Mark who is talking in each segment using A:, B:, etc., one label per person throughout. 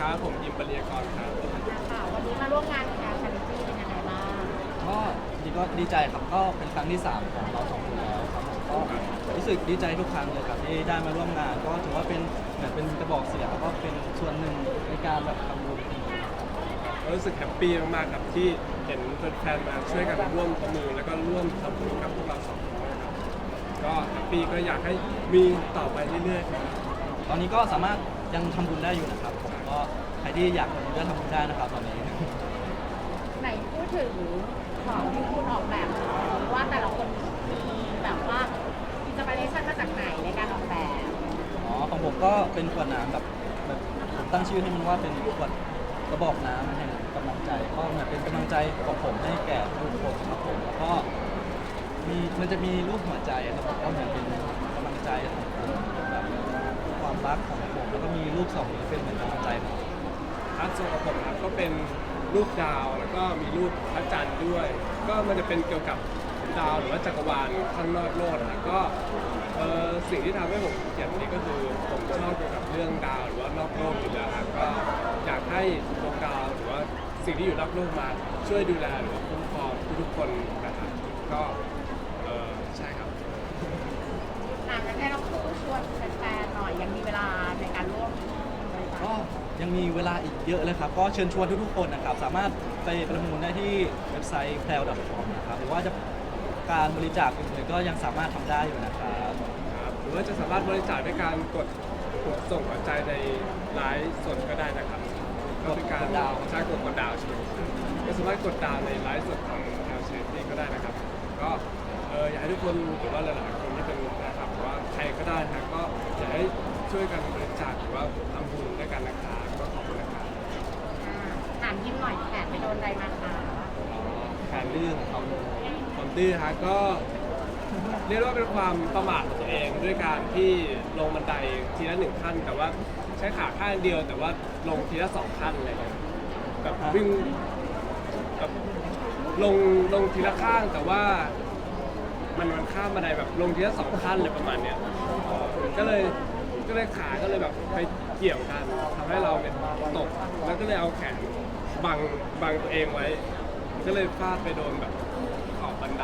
A: ครับผมยิมปรียากรครับ
B: ค่ะวันนี้มาร่วมงานกับชาริตี้เป็นยังไงบ้าง
C: ก็จริงก็ดีใจครับก็เป็นครั้งที่3ของเราสองคนแล้วครับผมก็รู้สึกดีใจทุกครั้งเลยครับที่ได้มาร่วมงานก็ถือว่าเป็นเหมือนเป็นกระบอกเสียงแล้วก็เป็นส่วนหนึ่งในการแบบทำบุญ
A: รู้สึกแฮปปี้มากๆครับที่เห็นแฟนๆมาช่วยกันร่วมประมือแล้วก็ร่วมทำบุญกับพวกเราสองคนนะครับก็แฮปปี้ก็อยากให้มีต่อไปเรื่อยๆครับ
C: ตอนนี้ก็สามารถยังทำบุญได้อยู่นะครับผมก็ใครที่อยากทำบุญก็ทำบุญได้นะครับตอนนี้
B: ไหนพูดถึงของที่คุณออกแบบว่าแต่ละคนมีแบบว่าอินสปิเรชันมาจากไหนในการออกแบบ
C: ของผมก็เป็นขวดน้ำแบบผมตั้งชื่อให้มันว่าเป็นขวดกระบอกน้ำแห่งกำลังใจก็เหมือนเป็นกำลังใจของผมให้แก่ทุกคนครับผมแล้วก็มันจะมีรูปหัวใจครับก็เหมือนเป็นกำลังใจของผมแบบความรักของผมแล้วก็มีรูปสองนี้เป็นเหมือนกำลังใจของผม
A: อาร์ตโซของผมครับก็เป็นรูปดาวแล้วก็มีรูปพระจันทร์ด้วยก็มันจะเป็นเกี่ยวกับดาวหรือว่าจักรวาลข้างนอกโลกนะก็สิ่งที่ทำให้ผมเขียนนี้ก็คือผมชอบเกี่ยวกับเรื่องดาวหรือว่านอกโลกอยู่แล้วครับก็อยากให้ดวงดาวหรือว่าสิ่งที่อยู่นอกโลกมาช่วยดูแลหรือว่าคุ้มครองทุกๆคนนะครับก็ใช่ครับ
B: งั้นให้เราชวนแฟนๆหน่อยยังมีเวลาในการร่วม
C: ก็ยังมีเวลาอีกเยอะเลยครับก็เชิญชวนทุกๆคนนะครับสามารถไปประมูลได้ที่เว็บไซต์ pleo.com นะครับหรือว่าจะการบริจาคอื่นๆก็ยังสามารถทำได้อยู่นะครับ
A: หรือว่าจะสามารถบริจาคด้วยการกดส่งหัวใจในไลฟ์สดก็ได้นะครับก็เป็นการดาวใช้กดดาวใช่ไหมก็สามารถกดดาวในไลฟ์สดของแอลเชนนี่ก็ได้นะครับก็อยากให้ทุกคนหรือว่าหลายๆคนที่เป็นนะครับหรือว่าใครก็ได้นะก็อยากให้ช่วยกันบริจาคหรือว่าทำบุญด้วยกันนะครับก็ขอบคุณนะครับ
B: ถามยิ้มหน่อยแขนไปโดนอะไรมาคะ
A: แผนดื้อของเขาความดื้อฮะก็เรียกว่าเป็นความประมาทของตัวเองด้วยการที่ลงบันไดทีละ1 ขั้นแต่ว่าใช้ขาข้างเดียวแต่ว่าลงทีละ2 ขั้นอะไรเงี้ยแบบวิ่งแบบลงทีละข้างแต่ว่ามันข้ามบันไดแบบลงทีละ2 ขั้นเลยประมาณเนี้ยก็เลยขาก็เลยแบบไปเกี่ยวกันทำให้เราเนี่ยตกแล้วก็เลยเอาแขนบังตัวเองไว้ก็เลยฟาดไปโดนแบบขอบบันได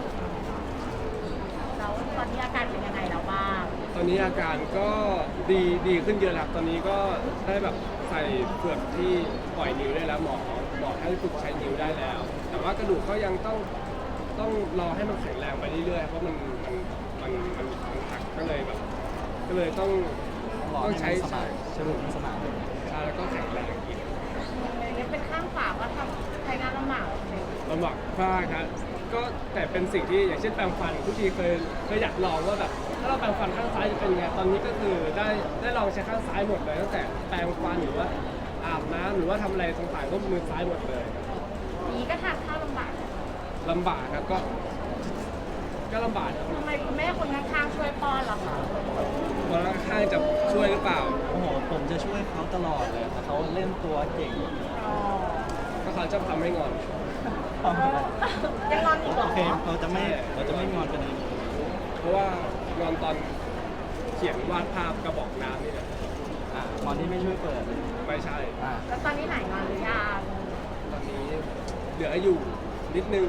B: แล้วตอนนี้อาการเป็นยังไงแล้วบ้าง
A: ตอนนี้อาการก็ดีขึ้นเยอะแล้วตอนนี้ก็ได้แบบใส่เฟือกที่ปล่อยนิ้วได้แล้วหมอให้ฝึกใช้นิ้วได้แล้วแต่ว่ากระดูกก็ยังต้องรอให้มันแข็งแรงไปเรื่อยๆเพราะมันหักก็เลยต้องใช้
C: สรุปสมาน
A: ใช่แล้วก็แข็งแรงอีก
B: เป็นข้างฝาก็ทำใช้งานลำบาก
A: ลำบากมากครับก็แต่เป็นสิ่งที่อย่างเช่นแปรงฟันทุกทีเคยอยากลองว่าแบบถ้าเราแปรงฟันข้างซ้ายจะเป็นไงตอนนี้ก็คือได้ลองใช้ข้างซ้ายหมดเลยตั้งแต่แปรงฟันหรือว่าอาบน้ำหรือว่าทำอะไรต่างๆก็มือซ้ายหมดเลย
B: นี้ก็ทานข้าวลำบาก
A: ครับก็ลำบาก
B: ทำไมคุณแม่คนข้างๆช่วยป้อนล่ะคะ
A: คนข้างๆจะช่วยหรือเปล่า
C: โอ้โหผมจะช่วยเขาตลอดเลยแต่เขาเล่นตัวเก่ง
A: ก็เขาจะทำให้งอน
B: ยังงอนอีกเหรอ
C: โอเคเราจะไม่งอนกันอีก
A: เพราะว่างอนตอนเขียนวาดภาพกระบอกน้ำนี่แหละ
C: งอนที่ไม่ช่วยเปิด
A: ไม่ใช่
B: แล้วตอนนี้ไหนงอนหรือยัง
A: ตอนนี้เหลืออยู่นิดนึง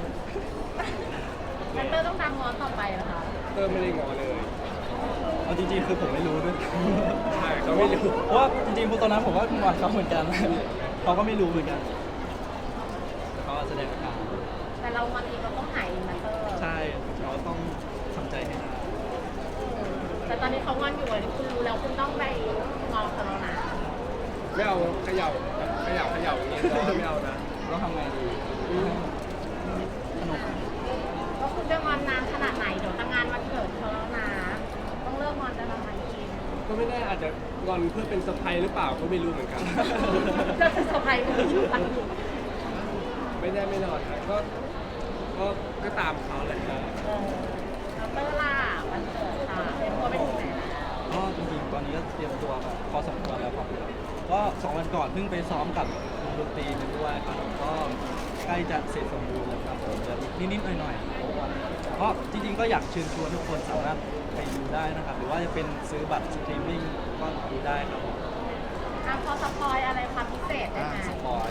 B: เตอร์ต้องตามงอนต่อไปเหรอคะ
A: เตอร์ไม่ได้งอเลย
C: เอาจริงๆคือผมไม่รู้ด้วย
A: ใช่เขาไม่รู้
C: เพราะว่าจริงๆตอนนั้นผมก็งอนเขาเหมือนกันเขาก็ไม่รู้เหมือนกันเขาแสดงอาการ
B: แต่เรางอนอีกเราต้องหายนะเตอร์
C: ใช่เราต้องทำใจให้ได้
B: แต่ตอนนี้เขางอนอยู่คุณรู้แล้วคุณต้องไปงอเขาแล้วนะ
A: ไม่เอาเขย่าอย่างนี้ก็ไม่เอานะ
C: ต้องทำไงดีสนุก
B: ก็คุณจะงอนนานขนาดไหนเดี๋ยวทำงานวันเกิดเขาแล้วนะต้องเลิกงอนจะทำไมกิน
A: ก็ไม่แน่อาจจะงอนเพื่อเป็นเซอร์ไพรส์หรือเปล่าก็ไม่รู้เหมือนกัน
B: จะเป็นเซอร์ไพรส์ไม่รู้กัน
A: ไม่แน่ไม่นอนครับก็ตามเขาแหละ
B: แล้วเตอร์ล่ะวันเกิดค่ะเป็นตัวเป็นยังไง
C: ก็จริงๆตอนนี้ก็เตรียมตัวแบบพอสมควรแล้วครับก็2 วันก่อนเพิ่งไปซ้อมกับดนตรีไปด้วยครับก็ใกล้จะเสร็จสมบูรณ์แล้วครับผมจะนิดๆหน่อยๆก็จริงๆก็อยากเชิญชวนทุกคนสามารถไปดูได้นะครับหรือว่าจะเป็นซื้อบัตรสตรีมมิ่งก็ดูได้ครับ
B: พอสปอยอะไรความพิเศษได้ไหม
C: สปอย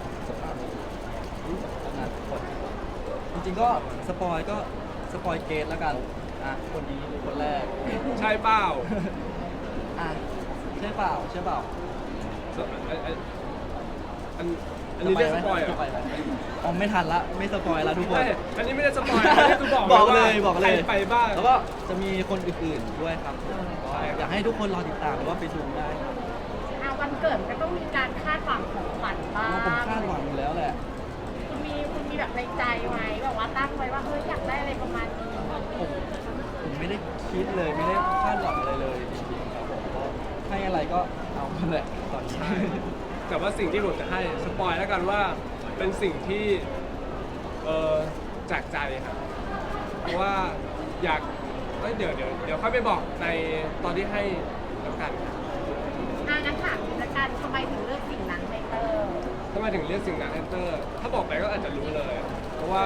C: งานทุกคนจริงๆก็สปอยเกตแล้วกันคนนี้คนแรก
A: ใช่เปล่า
C: ใช่เปล่า
A: อันนี้เรียกสปอยล์เหรอ
C: อ๋อไม่ทันละไม่สปอยละทุกคน
A: ไม่อันนี้ไม่ได้สปอยล์อันนี้คือบอก
C: บอก
A: ว่า
C: เลยบอกเลย
A: ใครไปบ้าง
C: แล้วก็จะมีคนอื่นๆด้วยครับก็
A: ใช่ครับ
C: อยากให้ทุกคนรอติดตามหรือว่าไปดูได้ครับ
B: วันเกิดมันก็ต้องมีการคาดหวังของขวัญบ้าง
C: ผมคาดหวังอยู่แล้วแหละ
B: คุณมีแบบในใจไหมแบบว่าตั้งไว้ว่าเฮ้ยอยากได้อะไรประมาณนี้
C: ผมไม่ได้คิดเลยไม่ได้คาดหวังอะไรเลยจริงๆครับผมก็ให้อะไรก็เอาแหละตอนนี้
A: แต่ว่าสิ่งที่ผมจะให้สปอยล์แล้วกันว่าเป็นสิ่งที่จากใจครับเพราะว่าอยากเดี๋ยวค่อยไปบอกในตอนที่ให้แล้วกันครับ
B: งั้นถามละกันทำไมถึงเลือกสิ่งนั้นในเตอร์
A: ทำไมถึงเรียกสิ่งนั้นแอนเตอร์ ถ้าบอกไปก็อาจจะรู้เลย เพราะว่า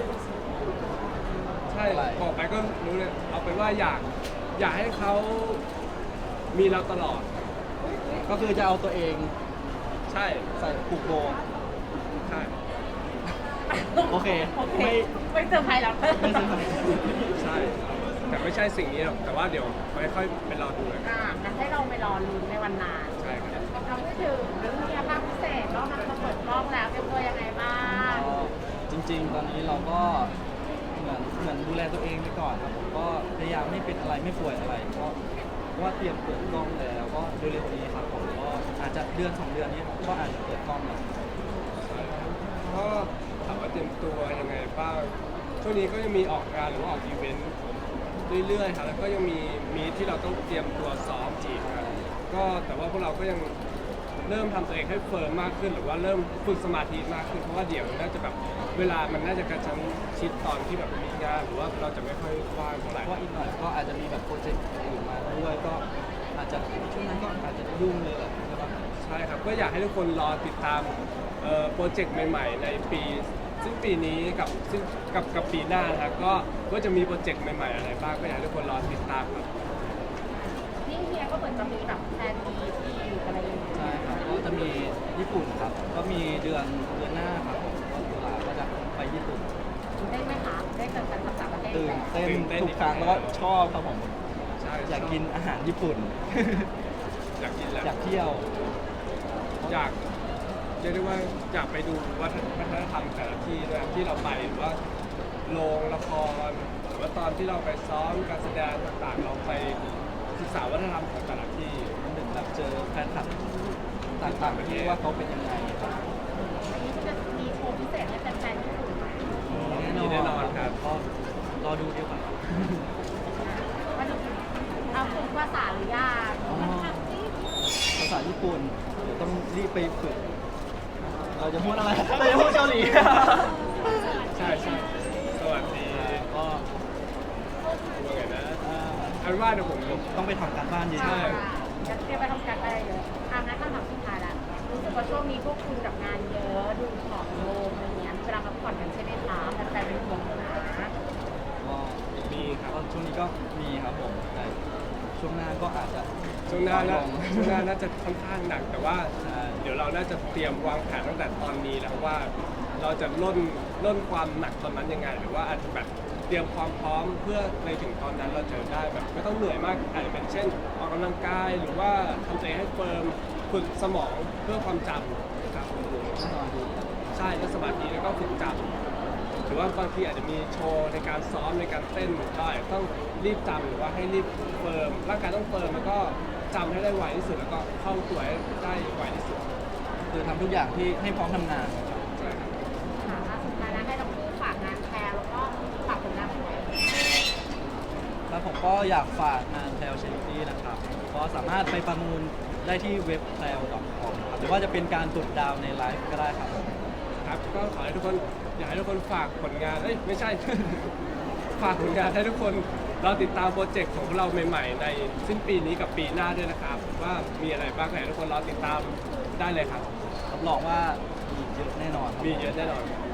A: ใช่
C: อะไร
A: บอกไปก็รู้เลยเอาเป็นว่าอยากให้เขามีเราตลอด
C: ก็คือจะเอาตัวเอง
A: ใช่
C: ใส่ผูกโบ
A: ใช่
C: โอเค
B: ไม่เซอร์ไพรส์แล้วเตอร์
C: ไม่ใช่ไหม
A: ใช่ แต่ไม่ใช่สิ่งนี้หรอกแต่ว่าเดี๋ยวค่อยๆไปรอดูเลยครับ
B: งั้นให้เราไปรอลุ้นในวันนั้น
A: ใช่ครับ
B: เราไม่ถึงมีภาพพิเศษรอบนั้นเราเปิดกล้องแล้วเตรียมตัวยังไงบ้าง
C: ก็จริงๆ ตอนนี้เราก็เหมือนดูแลตัวเองไปก่อนครับผมก็พยายามไม่เป็นอะไรไม่ป่วยอะไรก็เพราะว่าเตรียมเปิดกล้องแล้วก็เร็วๆนี้ครับผมก็อาจจะเดือน2 เดือนนี้ก็อาจจะเปิดกล้องแล้ว
A: ก็ถามว่าเตรียมตัวยังไงบ้างช่วงนี้ก็ยังมีออกงานหรือว่าออกอีเวนต์เรื่อยๆครับแล้วก็ยังมีที่เราต้องเตรียมตัวซ้อมอีกครับก็แต่ว่าพวกเราก็ยังเริ่มทำตัวเองให้เฟิร์มมากขึ้น หรือว่าเริ่มฝึกสมาธิมากขึ้นเพราะว่าเดี๋ยวน่าจะแบบเวลามันน่าจะกระชั้นชิดตอนที่แบบมีงานหรือว่าเราจะไม่ค่อยว่างเท่าไหร่
C: เพราะว่าอีกหน่อยก็อาจจะมีแบบโปรเจกต์อื่นมาด้วยก็อาจจะช่วงนั้นก็อาจจะยุ่งเลยแหละใช่ปะ
A: ใช่ครับก็อยากให้ทุกคนรอติดตามโปรเจกต์ใหม่ๆ ในปีซึ่งปีนี้กับปีหน้านะครับก็จะมีโปรเจกต์ใหม่ๆอะไรบ้างก็อยากให้ทุกคนรอติดตามครับ
B: นี่เฮียก็เหมือนจะมีแบบแพลนมีที่อะไรอย่างเงี้ย
C: ใช่ครับก็จะมีญี่ปุ่นครับก็มีเดือนหน้าครับผมก็ตุลาก็จะไปญี่ปุ่น
B: ได้ไหมคะได้เกิดการภาษาประเทศ
C: ตื่น
B: ไหม
C: เต้น
A: ตื่นเต้น
C: ทุกครั้งแล้วก็ชอบครับผม
A: ใช่
C: อยากกินอาหารญี่ปุ่น
A: อยากกินแหละ
C: อยากเที่ยว
A: อยากเรียกได้ว่าอยากไปดูวัฒนธรรมแต่ละที่ด้วยที่เราไปหรือว่าโรงละครหรือว่าตอนที่เราไปซ้อมการแสดงต่างๆ เราไปศึกษาวัฒนธรรมของแต่ละที่
C: หนึ่งแบบเจอแฟนคลับต่างๆประเทศว่าเขาเป็นยังไงครับ
B: อันนี้จะมีโชว์พิเศษให้แฟนๆญี่ปุ่นไหม
A: มีแน่นอนครับ
C: ก็รอดูดีกว่า
B: ว่าจะเอาฝึกภาษาหรือยัง
C: อ๋อ ภาษาญี่ปุ่นเดี๋ยวต้องรีบไปฝึกเราจะพูดอะไรเราจะพูดเกาหลี
A: ใช่ใช่สวัสดี
C: ก็
A: ว่าไงนะ
C: เอ่อ
A: อันว่าเดี๋ยวผม
C: ต้องไปทำการบ้านเย
A: ใช่
C: อะ
B: จะเตรียมไปทำการอะไรเยอะงั้นคำถามสุดท้ายละรู้สึกว่าช่วงนี้พวกคุณกับงานเยอะ ดูผอมลงอะไรเงี้ยเวลาพักผ่อนกันใช่ไหมคะแฟนๆเป็นห่วงนะ
C: ๆก็
A: มีครับ
C: ก็ช่วงนี้ก็มีครับผมแต่ช่วงหน้าก็อาจจะ
A: ช่วงหน้า
C: ล
A: น่าง ช่วงหน้าน่าจะค่อนข้างหนักแต่ว่า
C: ใช่
A: เดี๋ยวเราน่าจะเตรียมวางแผนตั้งแต่ตอนนี้แล้วว่าเราจะล่นความหนักตอนนั้นยังไง หรือว่าอาจจะแบบเตรียมความพร้อมเพื่อในถึงตอนนั้นเราจะได้แบบไม่ต้องเหนื่อยมากอาจจะเป็นเช่นออกกำลังกายหรือว่าทำตัวเองให้เฟิร์มฝึกสมองเพื่อความจำนะครับ
C: แน่นอนดู
A: ใช่ก็สมาธิแล้วก็ฝึกจำหรือว่าบางทีอาจจะมีโชว์ในการซ้อมในการเต้นเราอาจจะต้องรีบจำหรือว่าให้รีบเฟิร์มร่างกายต้องเฟิร์มแล้วก็จำให้ได้ไวที่สุดแล้วก็เข้าตัวให้ได้ไวที่สุด
C: คือทำทุกอย่างที่ให้พร้อมทำงาน
A: ใช่ครับ
B: ค่ะสุดท้ายแล้วให้ทั้งคู่ฝากงานแชร์แล้วก็ฝากผลงานของตัวเอง
C: แล้วผมก็อยากฝากงานแพลวเชนตี้นะครับก็สามารถไปประมูลได้ที่เว็บ p l a w .com ครับหรือว่าจะเป็นการกดดาวน์ในไลฟ์ก็ได้ครับผม
A: ครับก็ขอให้ทุกคนอยากให้ทุกคนฝากผลงานเอ้ยไม่ใช่ ฝากผลงานให้ทุกคนเราติดตามโปรเจกต์ของพวกเราใหม่ๆ ในสิ้นปีนี้กับปีหน้าด้วยนะครับ ว่ามีอะไรบ้างก็อยากให้ทุกคนรอติดตามได้เลยครับ
C: รับรองว่ามีเยอะแน่นอนครับ
A: มีเยอะแน่นอน
C: ค